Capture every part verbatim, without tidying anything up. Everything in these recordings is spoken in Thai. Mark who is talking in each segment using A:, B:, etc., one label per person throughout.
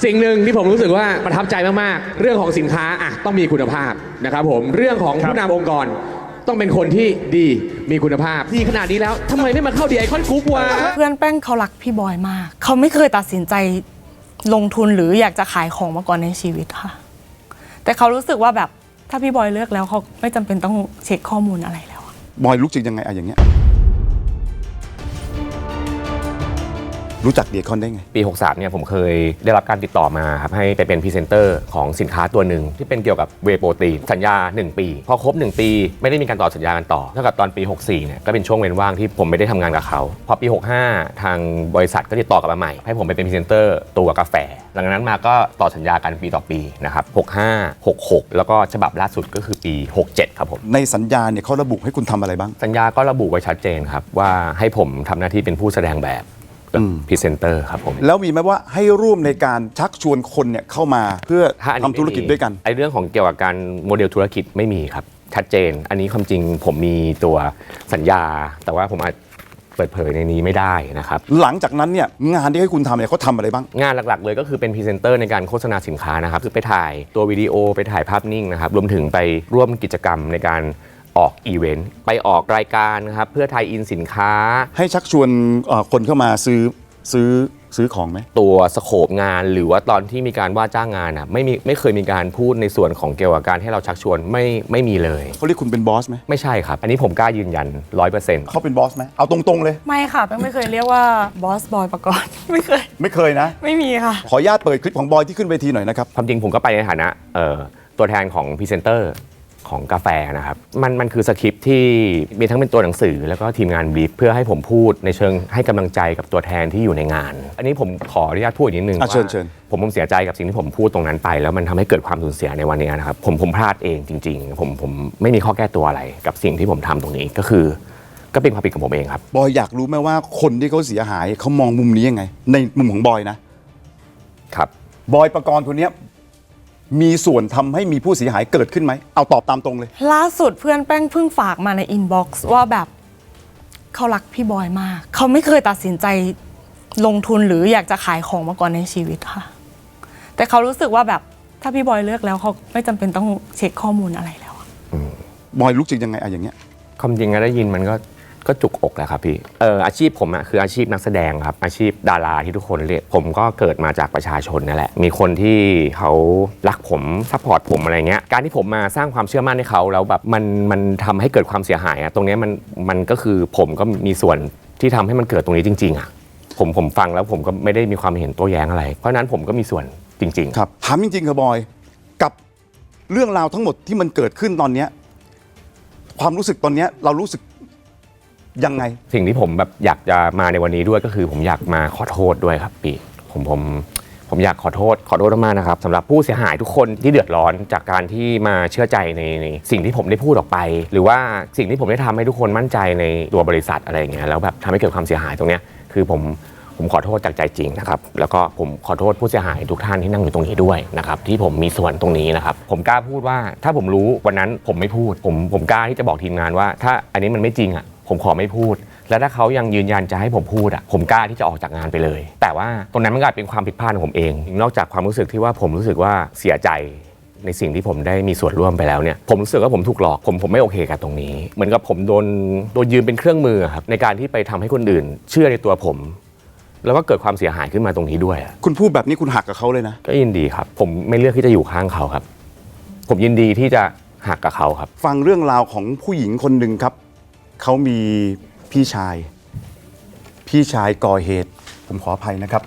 A: สิ่งหนึ่งที่ผมรู้สึกว่าประทับใจมากๆเรื่องของสินค้าอ่ะต้องมีคุณภาพนะครับผมเรื่องของผู้นำองค์กรต้องเป็นคนที่ดีมีคุณภาพดีขนาดนี้แล้วทำไมไม่มาเข้าดีไอคอนกรุ๊ปวะ
B: เพื่อนแป้งเขารักพี่บอยมากเขาไม่เคยตัดสินใจลงทุนหรืออยากจะขายของมาก่อนในชีวิตค่ะแต่เขารู้สึกว่าแบบถ้าพี่บอยเลือกแล้วเขาไม่จำเป็นต้องเช็คข้อมูลอะไรแล้ว
C: บอยรู้จักยังไงอะอย่างเงี้ยรู้จักเดียคอนได้ไง
D: ปีหกสามเนี่ยผมเคยได้รับการติดต่อมาครับให้ไปเป็นพรีเซนเตอร์ของสินค้าตัวหนึ่งที่เป็นเกี่ยวกับเวย์โปรตีนสัญญาหนึ่งปีพอครบหนึ่งปีไม่ได้มีการต่อสัญญากันต่อเท่ากับตอนปีหกสี่เนี่ยก็เป็นช่วงเว้นว่างที่ผมไม่ได้ทำงานกับเขาพอปีหกห้าทางบริษัทก็ติดต่อกลับมาใหม่ให้ผมไปเป็นพรีเซนเตอร์ตัวกาแฟหลังจากนั้นมาก็ต่อสัญญากันปีต่อปีนะครับหกห้า หกหกแล้วก็ฉบับล่าสุดก็คือปีหกเจ็ดครับผม
C: ในสัญญาเนี่ยเขาระบุให้คุณทำอะไรบ้าง
D: สัญญาก็ระบุไว้ชัดเจนครับว่าให้ผมทำหน้าที่เป็นผู้แสดงแบบพรีเซนเตอร์ครับผม
C: แล้วมีไหมว่าให้ร่วมในการชักชวนคนเนี่ยเข้ามาเพื่อทำธุรกิจด้วยกัน
D: ไอ้เรื่องของเกี่ยวกับการโมเดลธุรกิจไม่มีครับชัดเจนอันนี้ความจริงผมมีตัวสัญญาแต่ว่าผมอาจเปิดเผยในนี้ไม่ได้นะครับ
C: หลังจากนั้นเนี่ยงานที่ให้คุณทำเนี่ยเขาทำอะไรบ้าง
D: งานหลักๆเลยก็คือเป็นพรีเซนเตอร์ในการโฆษณาสินค้านะครับคือไปถ่ายตัววิดีโอไปถ่ายภาพนิ่งนะครับรวมถึงไปร่วมกิจกรรมในการออกอีเวนต์ไปออกรายการนะครับเพื่อไทยอินสินค้า
C: ให้ชักชวนคนเข้ามาซื้อซื้อซื้อของไหม
D: ตัวสโคปงานหรือว่าตอนที่มีการว่าจ้างงานอ่ะไม่มีไม่เคยมีการพูดในส่วนของเกี่ยวกับการให้เราชักชวนไม่ไม่มีเลย
C: เขาเรียกคุณเป็นบอสไหม
D: ไม่ใช่ครับอันนี้ผมกล้ายืนยันร้อยเปอร์เซ็นต์
C: เขาเป็นบอสไหมเอาตรงๆเลย
B: ไม่ค่ะแป้งไม่เคยเรียกว่าบอสบอยประกอบไม่เคย
C: ไม่เคยนะ
B: ไม่มีค่ะ
C: ขออนุญาตเปิดคลิปของบอยที่ขึ้นเวทีหน่อยนะครับ
D: ความจริงผมก็ไปในฐานะตัวแทนของพรีเซนเตอร์ของกาแฟนะครับมันมันคือสคริปต์ที่มีทั้งเป็นตัวหนังสือแล้วก็ทีมงานบรีฟเพื่อให้ผมพูดในเชิงให้กำลังใจกับตัวแทนที่อยู่ในงานอันนี้ผมขออนุญาตพูดอีกนิดนึงว่าผมผมเสียใจกับสิ่งที่ผมพูดตรงนั้นไปแล้วมันทำให้เกิดความสูญเสียในวันนี้นะครับผมผมพลาดเองจริงๆผมผมไม่มีข้อแก้ตัวอะไรกับสิ่งที่ผมทำตรงนี้ก็คือก็เป็นความผิดของผมเองครับ
C: บอยอยากรู้ไหมว่าคนที่เขาเสียหายเขามองมุมนี้ยังไงในมุมของบอยนะครับบอยประกรณ์คนนี้มีส่วนทำให้มีผู้เสียหายเกิดขึ้นไหมเอาตอบตามตรงเลย
B: ล่าสุดเพื่อนแป้งเพิ่งฝากมาในอินบ็อกซ์ว่าแบบเขารักพี่บอยมากเขาไม่เคยตัดสินใจลงทุนหรืออยากจะขายของมาก่อนในชีวิตค่ะแต่เขารู้สึกว่าแบบถ้าพี่บอยเลือกแล้วเขาไม่จำเป็นต้องเช็คข้อมูลอะไรแล้ว
C: บอยรู้สึกยังไงอะอย่างเงี้ย
D: ความจริงก็ได้ยินมันก็ก็จุกอกแหละครับพี่เอออาชีพผมอะคืออาชีพนักแสดงครับอาชีพดาราที่ทุกคนเรียกผมก็เกิดมาจากประชาชนนั่นแหละมีคนที่เขารักผมซัพพอร์ตผมอะไรเงี้ยการที่ผมมาสร้างความเชื่อมั่นให้เขาแล้วแบบมันมันทำให้เกิดความเสียหายอะตรงนี้มันมันก็คือผมก็มีส่วนที่ทำให้มันเกิดตรงนี้จริงๆอะผมผมฟังแล้วผมก็ไม่ได้มีความเห็นโต้แย้งอะไรเพราะนั้นผมก็มีส่วนจริง
C: ๆครับถามจริงๆครับบอยกับเรื่องราวทั้งหมดที่มันเกิดขึ้นตอนนี้ความรู้สึกตอนนี้เรารู้สึกยังไง
D: สิ่งที่ผมแบบอยากจะมาในวันนี้ด้วยก็คือผมอยากมาขอโทษด้วยครับพี่ผมผมผมอยากขอโทษขอโทษมากนะครับสำหรับผู้เสียหายทุกคนที่เดือดร้อนจากการที่มาเชื่อใจในในสิ่งที่ผมได้พูดออกไปหรือว่าสิ่งที่ผมได้ทำให้ทุกคนมั่นใจในตัวบริษัทอะไรอย่างเงี้ยแล้วแบบทำให้เกิดความเสียหายตรงเนี้ยคือผมผมขอโทษจากใจจริงนะครับแล้วก็ผมขอโทษผู้เสียหายทุกท่านที่นั่งอยู่ตรงนี้ด้วยนะครับที่ผมมีส่วนตรงนี้นะครับผมกล้าพูดว่าถ้าผมรู้วันนั้นผมไม่พูดผมผมกล้าที่จะบอกทีมงานว่าถ้าอันนี้มันไม่จริงอ่ะผมขอไม่พูดและถ้าเขายังยืนยันจะให้ผมพูดอ่ะผมกล้าที่จะออกจากงานไปเลยแต่ว่าตรงนั้นมันกลายเป็นความผิดพลาดของผมเองนอกจากความรู้สึกที่ว่าผมรู้สึกว่าเสียใจในสิ่งที่ผมได้มีส่วนร่วมไปแล้วเนี่ยผมรู้สึกว่าผมถูกหลอกผมผมไม่โอเคกับตรงนี้เหมือนกับผมโดนโดนยืมเป็นเครื่องมือครับในการที่ไปทำให้คนอื่นเชื่อในตัวผมแล้วก็เกิดความเสียหายขึ้นมาตรงนี้ด้วย
C: คุณพูดแบบนี้คุณหักกับเขาเลยนะ
D: ก็ยินดีครับผมไม่เลือกที่จะอยู่ข้างเขาครับผมยินดีที่จะหักกับเขาครับ
C: ฟังเรื่องราวของผู้หญิงคนหนึ่งครับเขามีพี่ชายพี่ชายก่อเหตุผมขออภัยนะครับ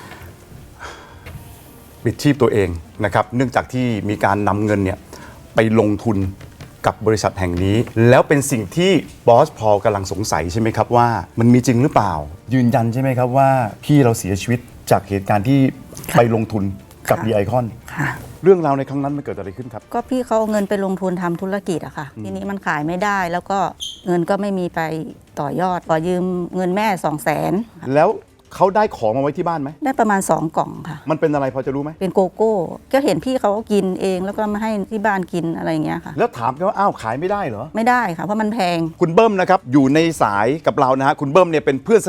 C: ปิดชีพตัวเองนะครับเนื่องจากที่มีการนำเงินเนี่ยไปลงทุนกับบริษัทแห่งนี้แล้วเป็นสิ่งที่บอสพอลกำลังสงสัยใช่ไหมครับว่ามันมีจริงหรือเปล่ายืนยันใช่ไหมครับว่าพี่เราเสียชีวิตจากเหตุการณ์ที่ไปลงทุนกับดีไอคอนเรื่องราวในครั้งนั้นมันเกิดอะไรขึ้นครับ
E: ก็พี่เขาเอาเงินไปลงทุนทำธุรกิจอะค่ะทีนี้มันขายไม่ได้แล้วก็เงินก็ไม่มีไปต่อยอดขอยืมเงินแม่สองแสน
C: แล้วเขาได้ของมาไว้ที่บ้านไหม
E: ได้ประมาณสองกล่องค่ะ
C: มันเป็นอะไรพอจะรู้ไหม
E: เป็นโกโก้ก็เห็นพี่เขากินเองแล้วก็มาให้ที่บ้านกินอะไรอย่างเงี้ยค่ะ
C: แล้วถามกันว่าอ้าวขายไม่ได้เหรอ
E: ไม่ได้ค่ะเพราะมันแพง
C: คุณเบิ้มนะครับอยู่ในสายกับเรานะฮะคุณเบิ้มเนี่ยเป็นเพื่อนสนิท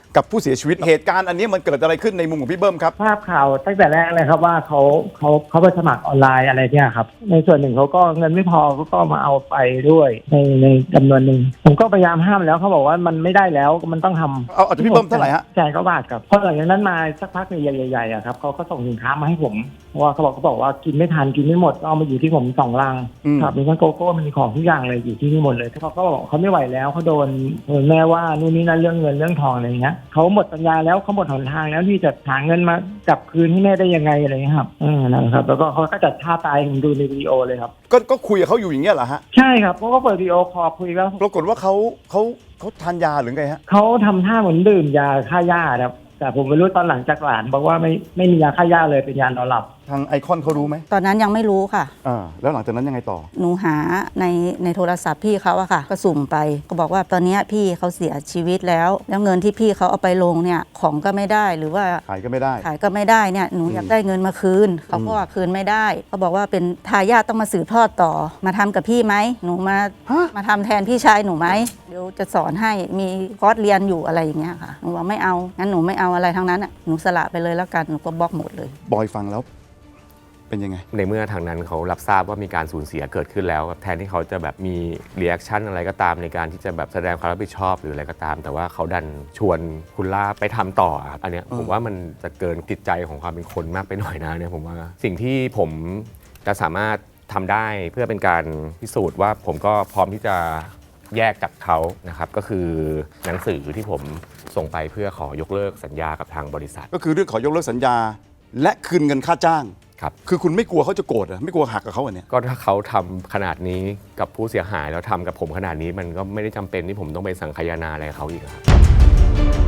C: กับผู้เสียชีวิตเหตุการณ์อันนี้มันเกิดอะไรขึ้นในมุมของพี่เบิ้มครับ
F: ทราบข่าวตั้งแต่แรกเลยครับว่าเขาเขาเขาไปสมัครออนไลน์อะไรเนี่ยครับในส่วนหนึ่งเขาก็เงินไม่พอเขาก็มาเอาไปด้วยในในจำนวนหนึ่งผมก็พยายามห้ามแล้วเขาบอกว่ามันไม่ได้แล้วมันต้องทำ
C: เอาเอาจากพี่เบิ้มเท่าไหร่ฮะ
F: แสนกว่าบาทครับพอหลังจากนั้นมาสักพักใหญ่ๆอะครับเขาก็ส่งสินค้ามาให้ผมเพราะว่าเขาบอกเขาบอกว่ากินไม่ทันกินไม่หมดเอามาอยู่ที่ผมสองลัง
C: อืม
F: ครับมีทั้งโกโก้มีของทุกอย่างเลยอยู่ที่นี่หมดเลยเขาก็บอกเขาไม่ไหวแล้วเขาโดนโดนแม่ว่านู่นนี่นั่นเรื่องเงินเรื่องทองอะไรอย่างเงี้ยเขาหมดปัญญาแล้วเขาหมดหนทางแล้วที่จะหาเงินมาจับคืนให้แม่ได้ยังไงอะไรอย่างเงี้ยครับเออนั่นแหละครับแล้วก็เขาก็จัดท่าตายผมดูในวิดีโอเลยครับ
C: ก็ก็คุยกับเขาอยู่อย่างเงี้ยเหรอฮะ
F: ใช่ครับเขาก็เปิดวิดีโอคอลคุยแล้ว
C: ปรากฏว่าเขาเขาเขาทานยาหรือไงฮะ
F: เขาทำท่าเหมือนดื่มยาฆ่าหญ้าครับแต่ผมไม่รู้ตอนหลังจากหลานบอกว่าไม่ไม่มียาฆ่าหญ้าเลยเป็นยานอนหลับ
C: ทางไอคอนเขารู้ไหม
E: ตอนนั้นยังไม่รู้ค่ะ
C: อ่าแล้วหลังจากนั้นยังไงต่อ
E: หนูหาในในโทรศัพท์พี่เขาอะค่ะ ก็สุ่มไปก็บอกว่าตอนเนี้ยพี่เขาเสียชีวิตแล้ว แล้วเงินที่พี่เขาเอาไปลงเนี่ยของก็ไม่ได้หรือว่า
C: ขายก็ไม่ได้
E: ขายก็ไม่ได้เนี่ยหนูอยากได้เงินมาคืนเขาก็ว่าคืนไม่ได้เขาบอกว่าเป็นทายาทต้องมาสืบทอดต่อมาทำกับพี่ไหมหนูมา
C: ฮะ
E: มาทำแทนพี่ชายหนูไหมเดี๋ยวจะสอนให้มีคอร์สเรียนอยู่อะไรอย่างเงี้ยค่ะหนูว่าไม่เอางั้นหนูไม่เอาอะไรทั้งนั้นอะหนูสละไปเลยแล้วกันหนูก็บล็อกหมดเลย
C: บอยฟังแล้วเป็นยังไง
D: ในเมื่อทางนั้นเขารับทราบว่ามีการสูญเสียเกิดขึ้นแล้วแทนที่เขาจะแบบมีรีแอคชั่นอะไรก็ตามในการที่จะแบบแสดงความรับผิดชอบหรืออะไรก็ตาม แต่ว่าเขาดันชวนคุณล่าไปทำต่อครับอันเนี้ยผมว่ามันจะเกินจิตใจของความเป็นคนมากไปหน่อยนะเนี่ยผมว่าสิ่งที่ผมจะสามารถทำได้เพื่อเป็นการพิสูจน์ว่าผมก็พร้อมที่จะแยกจากเขานะครับก็คือหนังสือที่ผมส่งไปเพื่อขอยกเลิกสัญญากับทางบริษัท
C: ก็คือเรื่องขอยกเลิกสัญญา และคืนเงินค่าจ้าง
D: ครับ
C: คือคุณไม่กลัวเขาจะโกรธเหรอไม่กลัวหักกับเขาเหรอเนี่ย
D: ก็ถ้าเขาทำขนาดนี้กับผู้เสียหายแล้วทำกับผมขนาดนี้มันก็ไม่ได้จำเป็นที่ผมต้องไปสังคายนาอะไรกับเขาอีกครับ